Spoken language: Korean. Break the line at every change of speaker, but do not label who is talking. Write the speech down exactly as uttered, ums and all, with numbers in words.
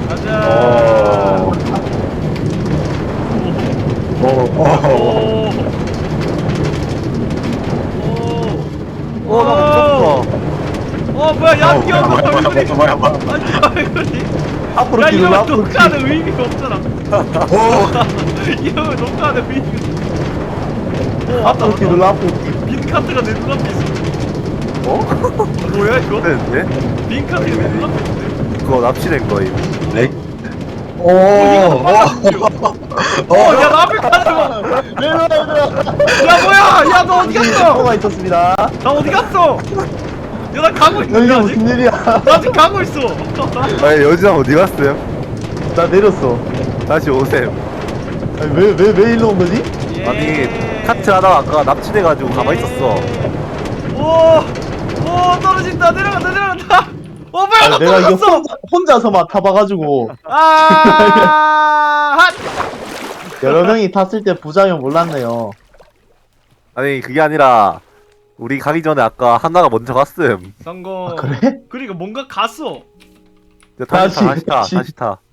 가자.
오. 오.
오. 오.
어, 나 멈췄어.
어 뭐야 야 뛰어
뭐야, 뭐야,
얼굴이
뭐야, 뭐야.
아니 얼굴이
앞으로
야
뒤로
이러면
앞으로
녹화하는 의미가 없잖아.
오.
이러면 녹화하는 의미가 오 왔다
앞으로 뒤로
왔다.
앞으로 뒤로.
빈 카드가 내 눈앞에 있어.
어?
뭐야 이거?
되는데?
빈 카드가 내 눈앞에 있는데.
그거 납치된 거임.
렉. 오.
이거 빨라지죠.
어.
어야 나 앞에 카드 봐.
내려와 내려와.
야 뭐야? 야 너 어디 갔어?
뭐가 있었습니다.
나 어디 갔어? 야 나 가고 있는데
여기가
아직?
무슨 일이야?
나 아직 가고 있어.
아니, 여진아 어디 갔어요?
나 내렸어.
다시 오셈.
아니 왜왜 왜 일로 온 거지?
예.
아니, 카트 하다가 아까 납치돼가지고 가만히 있었어.
오, 오 떨어진다. 내려간다. 내려간다. 어 뭐야?
아니,
나
내가 이거
떨어졌어.
혼자, 혼자서만 타봐가지고
아, 핫.
여러 명이 탔을 때 부작용 몰랐네요.
아니, 그게 아니라, 우리 가기 전에 아까 하나가 먼저 갔음.
성공.
아, 그래?
그러니까 뭔가 갔어.
다시 타,
다시,
다시 타,
다시.
다시 타.